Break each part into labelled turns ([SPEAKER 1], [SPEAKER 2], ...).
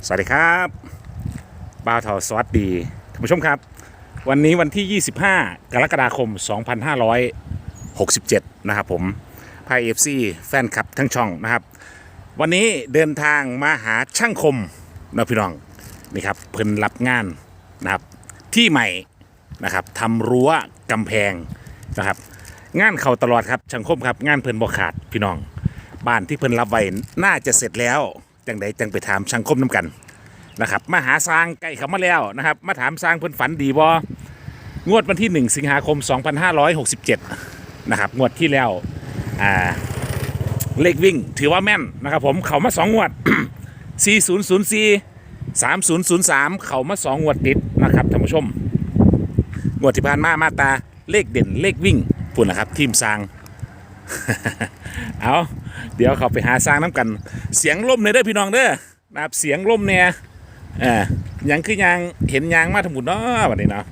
[SPEAKER 1] สวัสดีครับบ่าวเทาสวัสดีท่านผู้ชมครับวันนี้วันที่ 25 กรกฎาคม 2567 นะครับผมพายFC แฟนคลับทั้งช่องนะครับวันนี้เดินทางมาหาช่างคมนะพี่น้องนี่ครับเพิ่นรับงานนะครับที่ใหม่นะครับทำรั้วกำแพงนะครับงานเข้าตลอดครับช่างคมครับงานเพิ่นบ่ขาดพี่น้องบ้านที่เพิ่นรับไว้น่าจะเสร็จแล้วจังใดจังไปถามช่างคมน้ำกันนะครับมาหาสร้างใกล้เข้ามาแล้วนะครับมาถามสร้างเพิ่นฝันดีบ่งวดวันที่ 1 สิงหาคม 2567 นะครับงวดที่แล้วเลขวิ่งถือว่าแม่นนะครับผมเขามา2งวด 4004 3003 เขามา2งวดติดนะครับท่านผู้ชมงวดที่ผ่านมาตาเลขเด่นเลขวิ่งปุ่นนะครับทีมสร้าง เอาเดี๋ยวเขาไปหาสร้างน้ำกันเสียงล่มเลยเด้อพี่น้องเด้อนะครับเสียงล่มเนี่ยยังคือยางเห็นยางมาทั้งหมดเนาะวันนี้เนาะ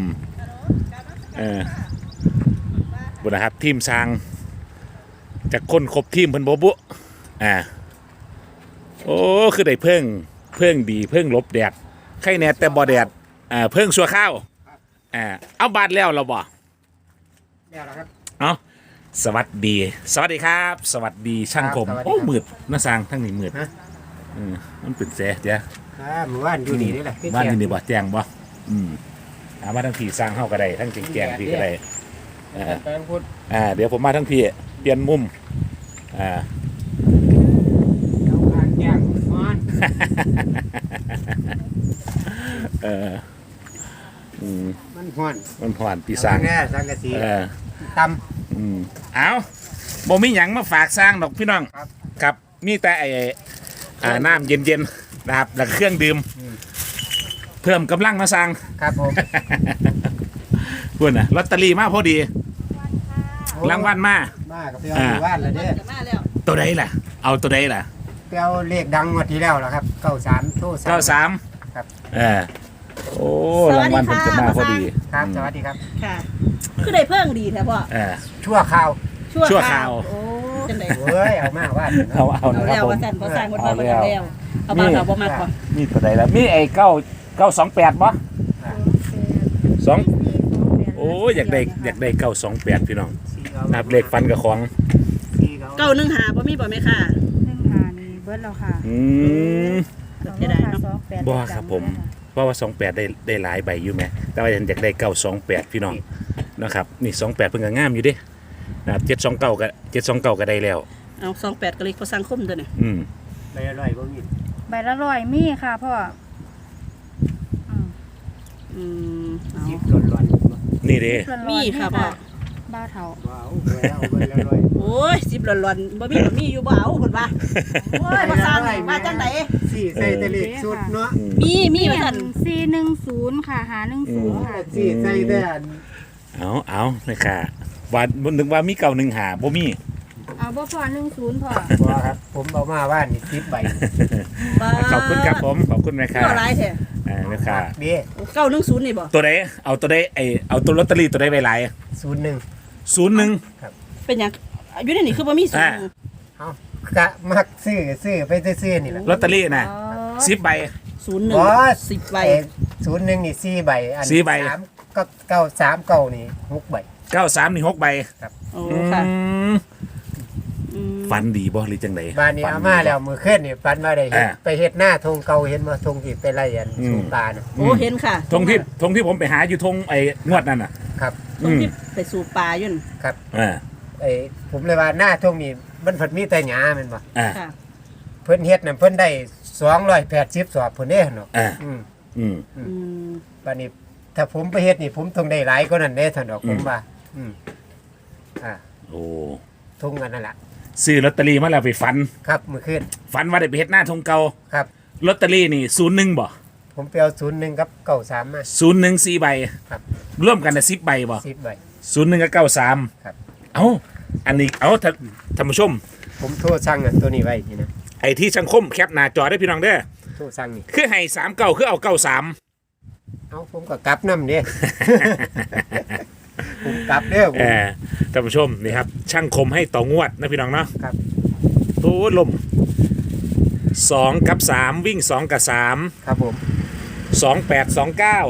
[SPEAKER 1] บุญนะครับทีมสร้างจากคนครบทีมเพิ่นบุโอ้คือได้เพิ่งดีเพิ่งลบแดดไข่แน่แต่บ่แดดเพิ่งชัวข้าวเอาบาดแล้วเราบ่
[SPEAKER 2] แล้วครับ
[SPEAKER 1] เอาสวัสดีครับ สวัสดีช่างคมโอ้มืดน้าสร้างทั้งนี้มืดมันเป็นแสเดี๋ยว
[SPEAKER 2] หมู่บ้านอยู่นี่นี่แหละ
[SPEAKER 1] บ้านอยู่นี่บ่แจ้งบ่ถามว่าทั้งพี่สร้างเฮาก็ได้ทั้งแจ้งพี่ก็ได้เดี๋ยวผมมาทั้งพี่เปลี่ยนมุม
[SPEAKER 2] เอาการแจ้งมันมัน
[SPEAKER 1] ห่อนพี่สร้าง
[SPEAKER 2] สังกะสีตำ
[SPEAKER 1] เอาบ่มีหยังมาฝากสร้างดอกพี่น้องครับมีแต่น้ำเย็นๆนะครับแล้วเครื่องดื่มเพิ่มกำลังมาสร้าง
[SPEAKER 2] ครับผม
[SPEAKER 1] พูดนะลอตเตอรี่มาพอดีรางวัลมา
[SPEAKER 2] กับเปียวหมู่บ้านเลยเด้
[SPEAKER 1] ตัวใดล่ะเอาตัวใดล่ะ
[SPEAKER 2] เปียวเลขดังงวดที่แล้วล่ะครับ93โทร
[SPEAKER 1] 93ครับโอ้รางวัลผมจะมาพอดี
[SPEAKER 2] ครับสวัสดีครับ
[SPEAKER 3] ค่ะคือได้เพิ่งดีแท้พ่อ
[SPEAKER 2] ชั่วคราว
[SPEAKER 3] โอ้จังได๋
[SPEAKER 2] เฮ้ยเอามาว่า
[SPEAKER 1] เอา
[SPEAKER 3] แล้วว่าซั่นบ่สร้างบ่ว่าแล้วเอามาเอาบ่มากกว่า
[SPEAKER 1] มีตัวใดแล้วมีไอ้928บ่2โอ้อยากได้928พี่น้องนับเลขฟันกับของ
[SPEAKER 3] 915บ่มีบ่แม่ค่ะ
[SPEAKER 4] 15นี่เบิดแล้วค่ะ
[SPEAKER 3] เสียดายเนาะ
[SPEAKER 1] บ่ครับผมเพราะว่า28ได้หลายใบอยู่แม่แต่ว่าอยากได้928พี่น้องนะครับนี่28เพิ่นก็งามอยู่เด้นะครับ729ก็ได้แล้ว
[SPEAKER 3] เอา28ก็เลยเขาสังคมตัวนี้
[SPEAKER 2] ใบละ100บ่มี
[SPEAKER 4] ใบละ100มีค่ะพ่อ
[SPEAKER 2] ยิบร้อน
[SPEAKER 1] นี่เด้
[SPEAKER 3] มีค่ะพ่อ
[SPEAKER 4] บ้าเฒ่า
[SPEAKER 2] ว้าวใบละ100
[SPEAKER 3] โอ้ย10ร้อนๆบ่มีอยู่บ่เอาเพิ่นว่าโอ้ยบ่สร้างมาจังได๋
[SPEAKER 2] สี่ใส่แต่เลขสุดเนาะ
[SPEAKER 3] มีว่าซั่น
[SPEAKER 4] 410ค่ะ510ค่ะ
[SPEAKER 2] สี่ใส่แต่
[SPEAKER 1] เอาเลยค่ะว่านึกว่ามี915บ่มี
[SPEAKER 4] เอาบ่พอ10พอ
[SPEAKER 2] บ่ครับผมเอามาว่านี่10ใบ
[SPEAKER 1] ขอบคุณครับผมขอบคุณแม่ค่ะ
[SPEAKER 3] ก็หลายแท้
[SPEAKER 1] แม่ค่ะ
[SPEAKER 2] เด้
[SPEAKER 3] 910นี่บ่
[SPEAKER 1] ตัวใดเอาตัวใดเอาตัวลอตเตอรี่ตัวใดไว้หลาย
[SPEAKER 2] 01ครับ
[SPEAKER 3] เป็นหยังอยู่ในนี่คือบ่มี
[SPEAKER 2] 01เอากะมักซื้อไปซื้อนี่แหละ
[SPEAKER 1] ลอตเตอรี่น่ะ10ใบ
[SPEAKER 3] 01 10ใบ
[SPEAKER 2] 01นี่4ใบอัน3ก็939นี่6ใบ
[SPEAKER 1] 93นี่6ใบ
[SPEAKER 2] ครับ
[SPEAKER 3] โอ้ค่ะ
[SPEAKER 1] ฟันดีบ่หรือจังได๋
[SPEAKER 2] บ้านนี้เอามาแล้วมื้อคืนนี่ฟันมาได้เห็นไปเฮ็ดหน้าทงเก่าเห็นบ่ทงที่ไปไล่อันสูบปลาน่ะ
[SPEAKER 3] โอ้เห็นค่ะ
[SPEAKER 1] ทงที่ผมไปหาอยู่ทงงวดนั่นน่ะ
[SPEAKER 2] ครับ
[SPEAKER 3] ทงที่ไปสูบปลาอยู่
[SPEAKER 2] ครับผมเลยว่าหน้าทงนี่มันเพิ่นมีแต่หญ้าแม่นบ่
[SPEAKER 3] ค่ะ
[SPEAKER 2] เพิ่นเฮ็ดน่ะเพิ่นได้280สอบเพิ่นเด้เนาะบัดนี้ถ้าผมไปเฮ็ดนี่ผมต้องได้หลายกว่านั้นเด้ท่านดอกผมว่า
[SPEAKER 1] โอ้
[SPEAKER 2] ทงกันนั่นแหละ
[SPEAKER 1] ซื้อลอตเตอรี่มาแล้วไปฝัน
[SPEAKER 2] ครับเมื่อคืน
[SPEAKER 1] ฝันว่าได้ไปเฮ็ดหน้าทงเก่า
[SPEAKER 2] ครับ
[SPEAKER 1] ลอตเตอรี่นี่01บ่
[SPEAKER 2] ผมไปเอา01กับ93มา
[SPEAKER 1] 01 4ใบ
[SPEAKER 2] ครับ
[SPEAKER 1] ร่วมกันน่ะ10ใบบ่
[SPEAKER 2] 10ใบ
[SPEAKER 1] 01กับ93ครับอันนี้ท่านผู้ชม
[SPEAKER 2] ผมโทรสั่งตัวนี้ไว้นี่นะ
[SPEAKER 1] ไอ้ที่ช่างคมแคปหน้าจอได้พี่น้องเด้อ
[SPEAKER 2] โทรสั่งนี่
[SPEAKER 1] คือให้39คือเอา93
[SPEAKER 2] ผมก็กลับนำเด้ผมกลับเด้อ
[SPEAKER 1] ท่านผู้ชมนี่ครับช่างคมให้ต่องวดนะพี่น้องเนาะ
[SPEAKER 2] ครับ
[SPEAKER 1] โอ้ลม 2 กับ 3 วิ่ง 2 กับ
[SPEAKER 2] ครับผม
[SPEAKER 1] 3 28 29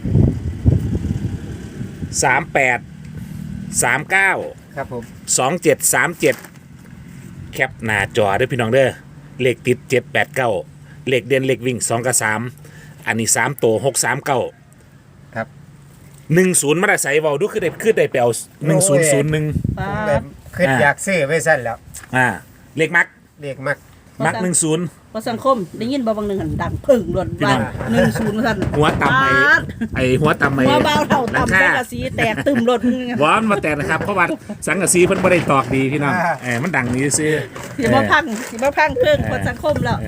[SPEAKER 1] 38 39
[SPEAKER 2] ครับผม
[SPEAKER 1] 27 37 แคปหน้าจอเด้อพี่น้องเด้อเลขติด 7 8 9 เลขเด่นเลขวิ่ง 2 กับ 3 อันนี้ 3 ตัว6 3 9
[SPEAKER 2] ครับ
[SPEAKER 1] 10มาได้ใส่เว้าดูคือได้ไปเอา1001
[SPEAKER 3] ป้า
[SPEAKER 2] ผมแบบขึ้นอยากซื้อไว้สั้นแล้ว
[SPEAKER 1] เลขมัก
[SPEAKER 2] เด็กมัก
[SPEAKER 1] มัก10
[SPEAKER 3] พอสังคมได้ยินบ่บางหนึงหันดังพึ่งล้วนว่า10ซั่น
[SPEAKER 1] หัวต่ำไอ้หัวต่ำไอ้
[SPEAKER 3] หัวเบาเท่า
[SPEAKER 1] หลัง
[SPEAKER 3] ต่ำ
[SPEAKER 1] คา
[SPEAKER 3] สังกะสีแตกตึมรถ
[SPEAKER 1] วอนมาแต่นะครับเพราะว่าสังกะสีเพิ่นบ่ได้ตอกดีพี่น้องมันดังนี้ซื้อ
[SPEAKER 3] สิมาพังเพิ่งพอสังคมแล้ว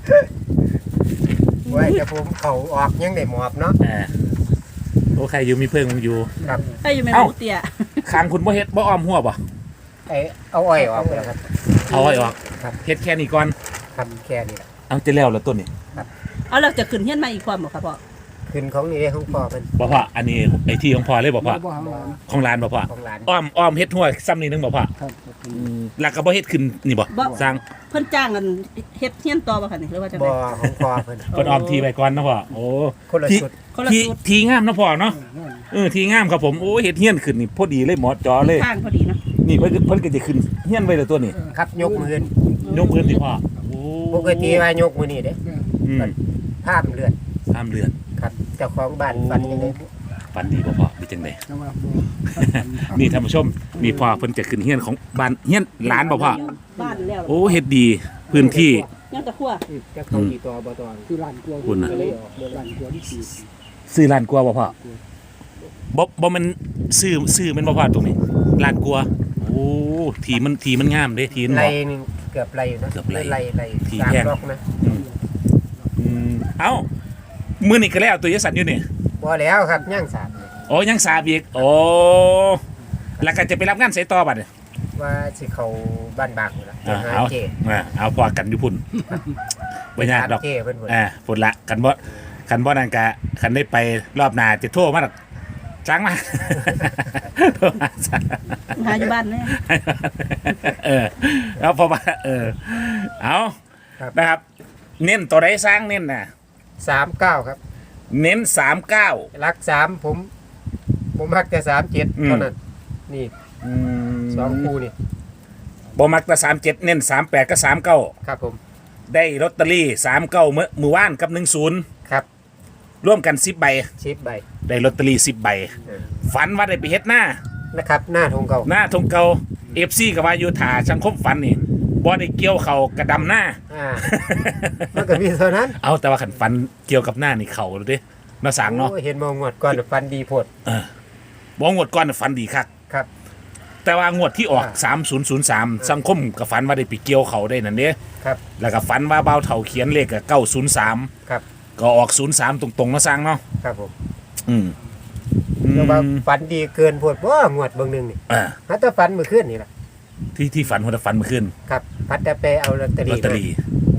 [SPEAKER 2] ไว้แต่ผมเขาออกยังได้หมอบเนาะ
[SPEAKER 1] โอ้ใครอยู่มีเพิ่งอยู่
[SPEAKER 2] ครับ
[SPEAKER 3] ให้อยู่แม่
[SPEAKER 1] เอ้า
[SPEAKER 3] หมูเตี้ย
[SPEAKER 1] คางคุณบ่เฮ็ดบ่อ้อมหัวบ่
[SPEAKER 2] เอาอ้อยออกไปแล้วครับ
[SPEAKER 1] เอาไว้ออก
[SPEAKER 2] ครับ
[SPEAKER 1] เฮ็ดแค่นี้ก่อน
[SPEAKER 2] ครับแค่นี้แหละ
[SPEAKER 1] เอาจะแล้วแล้วต้นนี่
[SPEAKER 3] เอาเราจะขึ้นเฮียนมาอีกความบ่ครับพ่อ
[SPEAKER 2] ขึ้นของนี่เด้ของพ่อมัน
[SPEAKER 1] บ่พ่ออันนี้ไอ้ที่ของพ่อเลยบ่พ่อของร้านบ่พ่อ
[SPEAKER 2] ของร้าน
[SPEAKER 1] อ้อมเฮ็ดหัวซ้ำนี่นึงบ่พ่อแล้วก็บ่เฮ็ดขึ้นนี่บ่สร้าง
[SPEAKER 3] เพิ่นจ้างกันเฮ็ดเฮียนต่อบ่คะนี่หรือว่าจัง
[SPEAKER 2] บ่
[SPEAKER 3] ได๋
[SPEAKER 2] ของพ่อเพิ่น
[SPEAKER 1] เพิ่นอ้อมทีไว้ก่อนนะพ่อโอ้
[SPEAKER 2] คนละ
[SPEAKER 1] ที่
[SPEAKER 2] ชุด
[SPEAKER 3] คนละ
[SPEAKER 1] ที่
[SPEAKER 3] ชุด
[SPEAKER 1] ทีงามนะพ่อเนาะทีงามครับผมโอ้เฮ็ดเฮียนขึ้นนี่พอดีเลยหมอจอเลย
[SPEAKER 3] ข้างพอดีเนาะ
[SPEAKER 1] นี่เพิ่นก็จะขึ้นเฮียนไว้แล้วตัวนี้
[SPEAKER 2] ครับยกมือย
[SPEAKER 1] กพื้นสิพ่อโอ้
[SPEAKER 2] ปกติว่ายกมือนี่เด้
[SPEAKER 1] อืม
[SPEAKER 2] ภาพเลือด
[SPEAKER 1] ห้ามเลือน
[SPEAKER 2] ครับเจ้าของบ้านฝันยังไง
[SPEAKER 1] ฝันดีบ่พ่อเป็นจังได นี่ท่านผู้ชมนี่พ่อเพิ่นจะขึ้นเฮียนของบ้านเฮียนหลานบ่พ่อ
[SPEAKER 3] บ้านแล้ว
[SPEAKER 1] โอ้เฮ็ดดีพื้นที่
[SPEAKER 3] ยังตะคั่ว
[SPEAKER 2] จะเข้ากี่ตัวบ่ตัว
[SPEAKER 1] คุณน่ะ
[SPEAKER 2] ร้านกลัวที่
[SPEAKER 1] ซื้อล้านกว่าบ่พ่อบ่มันซื้อมันบ่พ่อตรงนี้ล้านกว่าโอ้ทีมันงามเด้ทีมัน
[SPEAKER 2] ไร
[SPEAKER 1] บ่
[SPEAKER 2] นึงเกือบไรอยู่นะ
[SPEAKER 1] เกือบไร
[SPEAKER 2] ไร
[SPEAKER 1] ที่
[SPEAKER 2] สาม
[SPEAKER 1] แพง
[SPEAKER 2] ล็อกนะ
[SPEAKER 1] เอ้ามื้อนี้ก็แล้วตัวยสันอยู่นี่
[SPEAKER 2] บ่แล้วครับย่างสามเนี่ย
[SPEAKER 1] โอ้ยังสาบอีกโอ้แล้วก็จะไปรับงานไสต่อบัดเนี่ย
[SPEAKER 2] ว่าสิเขาบ้านบางอยู่ละ
[SPEAKER 1] อ่า
[SPEAKER 2] หา
[SPEAKER 1] เอา
[SPEAKER 2] เจ
[SPEAKER 1] เอาพอกันอยู่พุ่นบ่ยากดอก
[SPEAKER 2] เจเพิ่นพุ่น
[SPEAKER 1] พุ่นละกันบ่นั่นก็คันได้ไปรอบหน้าจะโทรมาดอกจ้างมา โทรมาจ้าง
[SPEAKER 3] หาอยู่บ้านแน่
[SPEAKER 1] แล้วพอมาเอานะครับ เน้นตัวใดสร้างเน้นน่ะ
[SPEAKER 2] 39ครับ
[SPEAKER 1] เน้น39
[SPEAKER 2] รัก3ผมมักแต่37เท่านั้นนี่สองคู่นี่
[SPEAKER 1] บ่มักแต่37เน้น38กับ39
[SPEAKER 2] ครับผม
[SPEAKER 1] ได้ลอตเตอรี่39มื้อวานกับ10
[SPEAKER 2] ครับ
[SPEAKER 1] ร่วมกัน10ใบ
[SPEAKER 2] ชิปใบ
[SPEAKER 1] ได้ลอตเตอรี่10ใบฝันว่าได้ไปเฮ็ดหน้า
[SPEAKER 2] นะครับหน้าทงเก่า
[SPEAKER 1] หน้าทงเก่า FC ก็ว่าอยู่ถ่าสังคมฝันนี่บ่ได้เกี่ยวเขากระดำหน้า
[SPEAKER 2] มันก็มีเท่านั้น
[SPEAKER 1] เอาแต่ว่าขันฟันเกี่ยวกับหน้านี่เขาเลยดิน่าสังเนาะ
[SPEAKER 2] โอ้ยเห็นมองงวดก่อนฟันดีโพด
[SPEAKER 1] บ่งวดก่อนน่ะฟันดีคัก
[SPEAKER 2] ครับ
[SPEAKER 1] แต่ว่างวดที่ออก3003สังคมกับฝันว่าได้ไปเกี่ยวเขาได้นั่นเด้
[SPEAKER 2] ครับ
[SPEAKER 1] แล้วก็ฝันว่าเบาเฒ่าเขียนเลขกับ903
[SPEAKER 2] ครับ
[SPEAKER 1] ก็ออก03ตรงๆนะสังเนาะ
[SPEAKER 2] ครับผม
[SPEAKER 1] อืม
[SPEAKER 2] แต่ว่าฟันดีเกินโพดว่างวดเบิ่งหนึงนี่
[SPEAKER 1] อ่า
[SPEAKER 2] หาแต่ฟันมื้อคืนนี่ล่ะ
[SPEAKER 1] ที่ฝันว่าจะฝันเมื่อคืน
[SPEAKER 2] ครับพัดแต่ไปเอาลอตเตอ
[SPEAKER 1] ลอ
[SPEAKER 2] รี่
[SPEAKER 1] ตเตอรี่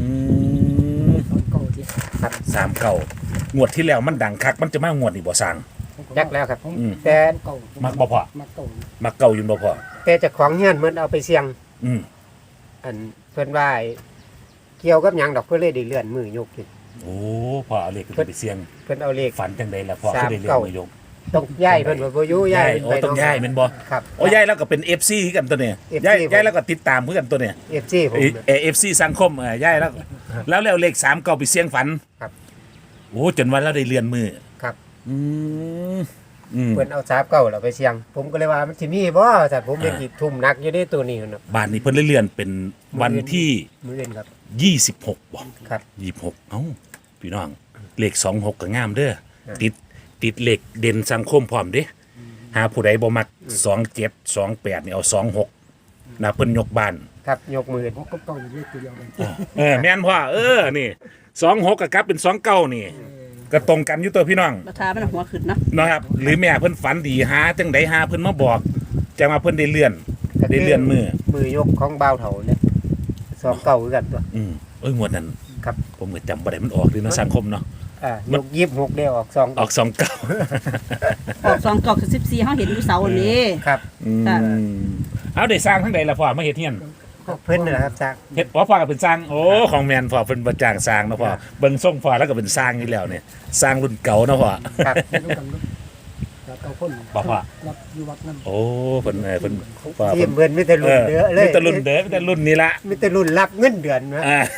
[SPEAKER 2] ครับ
[SPEAKER 1] 39งวดที่แล้วมันดังคักมันจะมางวดนี่บ่สัง
[SPEAKER 2] ยักแล้วครับ
[SPEAKER 1] อืม
[SPEAKER 2] แต่
[SPEAKER 1] มักบ่พอมักเก่าอยู่บ่พอ
[SPEAKER 2] แต่เจ้าของเฮือนมันเอาไปเสี่ยง
[SPEAKER 1] อืม
[SPEAKER 2] อันเพิ่นว่าเกี่ยวกับหยังดอกเพิ่นเลยได้เลื่อนมือยกขึ้น
[SPEAKER 1] โอ้พอเอาเลขขึ้นไปเสี่ยง
[SPEAKER 2] เพิ่นเอาเลข
[SPEAKER 1] ฝันจังไดล่ะพอคือได้เรียนมายก
[SPEAKER 2] ต้องย้ายเพิ่นว่าบ่อยู่ย้าย
[SPEAKER 1] โอ้ต้องย้ายแม่นบ่
[SPEAKER 2] ครับ
[SPEAKER 1] โอ้ย้ายแล้วก็เป็น FC คือกันตัวเนี่ย
[SPEAKER 2] FC
[SPEAKER 1] ย้าย
[SPEAKER 2] ผม
[SPEAKER 1] ย้ายแล้วก็ติดตามคือกันตัวเนี่ย
[SPEAKER 2] FC ผม
[SPEAKER 1] FC สังคมย้ายแล้วแล้วเลข3ก็ไปเสี่ยงฝัน
[SPEAKER 2] ครับ
[SPEAKER 1] โอ้จนวันเราได้เรียนมือ
[SPEAKER 2] ครับ
[SPEAKER 1] อืมอืม
[SPEAKER 2] เพิ่นเอา39แล้วไปเสี่ยง ผมก็เลยว่ามันสิมีบ่แต่ผมเป็นสิทุ่มหนักอยู่ในตัวนี้นะ
[SPEAKER 1] บ้านนี้เพิ่นเลยเลื่อนเป็นวันที่
[SPEAKER 2] มื้ออื่นครับ
[SPEAKER 1] 26บ่
[SPEAKER 2] ครับ
[SPEAKER 1] 26เอ้าพี่น้องเลข26ก็งามเด้อติดเลขเด่นสังคมพร้อมเด้หาผู้ใดบ่มัก27 28นี่เอา26นะเพิ่นยกบ้าน
[SPEAKER 2] ครับยกมือ
[SPEAKER 1] แม่นพ่อนี่26ก็กลับเป็น29นี่ก็ตรงกันอยู่ตัวพี่น้อง
[SPEAKER 3] ราคามันหัวขึ้นเนาะ
[SPEAKER 1] นะครับหรือแม่เพิ่นฝันดีหาจังไดหาเพิ่นมาบอกจะมาเพิ่นได้เลื่อนมือ
[SPEAKER 2] มือยกของบ่าวเฒ่าเนี่ย29คือกันตัว
[SPEAKER 1] งวดนั้น
[SPEAKER 2] ครับ
[SPEAKER 1] ผมก็จำบ่ได้มันออกดีเนาะสังคมเนาะ
[SPEAKER 2] ยก26ได้ออก2
[SPEAKER 1] ออก29
[SPEAKER 3] ออก2กอก14เฮาเห็นอยู่เสาร์นี้
[SPEAKER 2] ครับ
[SPEAKER 3] ค่ะ
[SPEAKER 1] เอาได้สร้างทั้งใดล่ะพ่อมาเฮ็ดเฮียน
[SPEAKER 3] ก็
[SPEAKER 2] เพิ่นน่ะครับจาก
[SPEAKER 1] เฮ็ดว่าพ่อก็เป็นสร้างโอ้ของแมนพ่อเป็นประจางสร้างเนาะพ่อเบิ่งส่งพ่อแล้วก็เป็นสร้างอยู่แล้วเนี่ยสร้างรุ่นเก่าเนาะพ่อ
[SPEAKER 2] ครับ
[SPEAKER 5] แล้วเก้าคน
[SPEAKER 1] บอกว่า
[SPEAKER 5] รับอยู่วัดนั่น
[SPEAKER 1] โอ้เพิ่นเพิ่นพ่อ
[SPEAKER 2] ทีมเพิ่นมีแต่รุ่นเด้อเลย
[SPEAKER 1] มีแต่รุ่นเด้อมีแต่รุ่นนี้ละ
[SPEAKER 2] มีแต่รุ่นรับเงินเดือนนะ
[SPEAKER 1] อ่า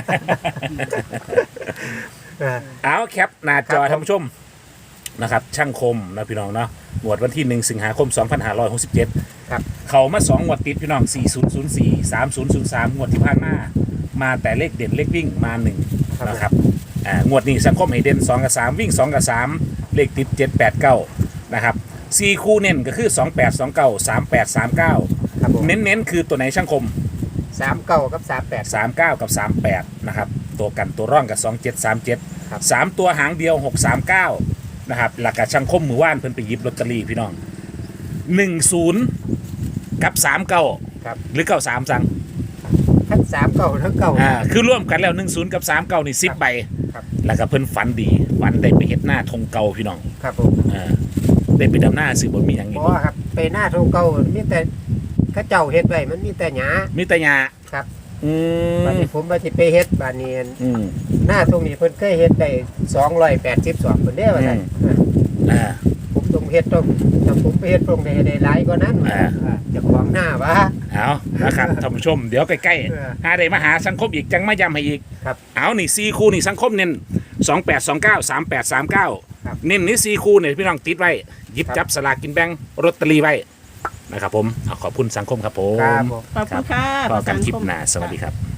[SPEAKER 2] อ่า
[SPEAKER 1] เอาแคปหน้าจอ
[SPEAKER 2] ครับ
[SPEAKER 1] ท่านผู้ชมนะครับช่างคมนะพี่น้องเนาะงวดวันที่1สิงหาคม2567
[SPEAKER 2] ครับ
[SPEAKER 1] เขามา2งวดติดพี่น้อง4004 3003งวดที่ผ่านมาแต่เลขเด่นเลขวิ่งมา1นะครับงวดนี้สังคมให้เด่น2กับ3วิ่ง2กับ3เลขติด7 8 9นะครับ4คู่เน้นก็คือ28 29 38 39
[SPEAKER 2] ครับผม
[SPEAKER 1] เน้นๆคือตัวไหนช่างคม
[SPEAKER 2] 39กับ38
[SPEAKER 1] 39 กับ 38 นะครับ ตัวกันตัวร่องกับ 2737
[SPEAKER 2] ครับ
[SPEAKER 1] 3 ตัวหางเดียว 639 นะครับ หลักกะช่างคมมือว่านเพิ่นไปหยิบลอตเตอรี่พี่น้อง 10 กับ 39
[SPEAKER 2] ครับ
[SPEAKER 1] หรือ 93 สั่ง
[SPEAKER 2] ทั้ง39ทั้ง9
[SPEAKER 1] คือร่วมกันแล้ว 10 กับ 39 นี่ 10 ใบ
[SPEAKER 2] ครับ
[SPEAKER 1] แล้วก็เพิ่นฝันดี ฝันได้ไปเฮ็ดหน้าธงเก่าพี่น้อง
[SPEAKER 2] ครับผม
[SPEAKER 1] ได้ไปดำหน้าซื้อบ่มีหยังอี
[SPEAKER 2] บ่
[SPEAKER 1] กบ่
[SPEAKER 2] ครับไปหน้าทงเก่ามีแต่เขาเจ้าเฮ็ดไว้มันมีแต่หญ้า
[SPEAKER 1] มีแต่หญ้า
[SPEAKER 2] ครับ
[SPEAKER 1] อื
[SPEAKER 2] บัด
[SPEAKER 1] ม
[SPEAKER 2] นี้ผมว่าสิไปเฮ็ดบัดนี้
[SPEAKER 1] อืม
[SPEAKER 2] หน้าตรงนี้เพิ่นเคยเฮ็ดได้282เพิ่นเด้ว่าซั่น
[SPEAKER 1] อ่า
[SPEAKER 2] ผมต้องเฮ็ดต้องถ้าผมไปเฮ็ดตรงได้หลายกว่านั้น เจ้าของหน้าว่า
[SPEAKER 1] เอานะครับ ท่านผู้ชม เดี๋ยวใกล้
[SPEAKER 2] เออ
[SPEAKER 1] ๆหาได้มาหาสังคมอีกจังมาย้ำให้อีก
[SPEAKER 2] ครับ
[SPEAKER 1] เอานี่4คู่นี่สังคมเน้น2829 3839
[SPEAKER 2] ครับ
[SPEAKER 1] เน้นนี่4คู่เนี่ยพี่น้องติดไว้หยิบ
[SPEAKER 2] ครับ
[SPEAKER 1] จับสลากกินแบ่งลอตเตอรี่ไว้นะครับผมเอาขอบคุณสังคมครับผม
[SPEAKER 2] ครับผม
[SPEAKER 3] ขอบคุณค่ะ
[SPEAKER 1] พอกันคลิปหน้าสวัสดีครับ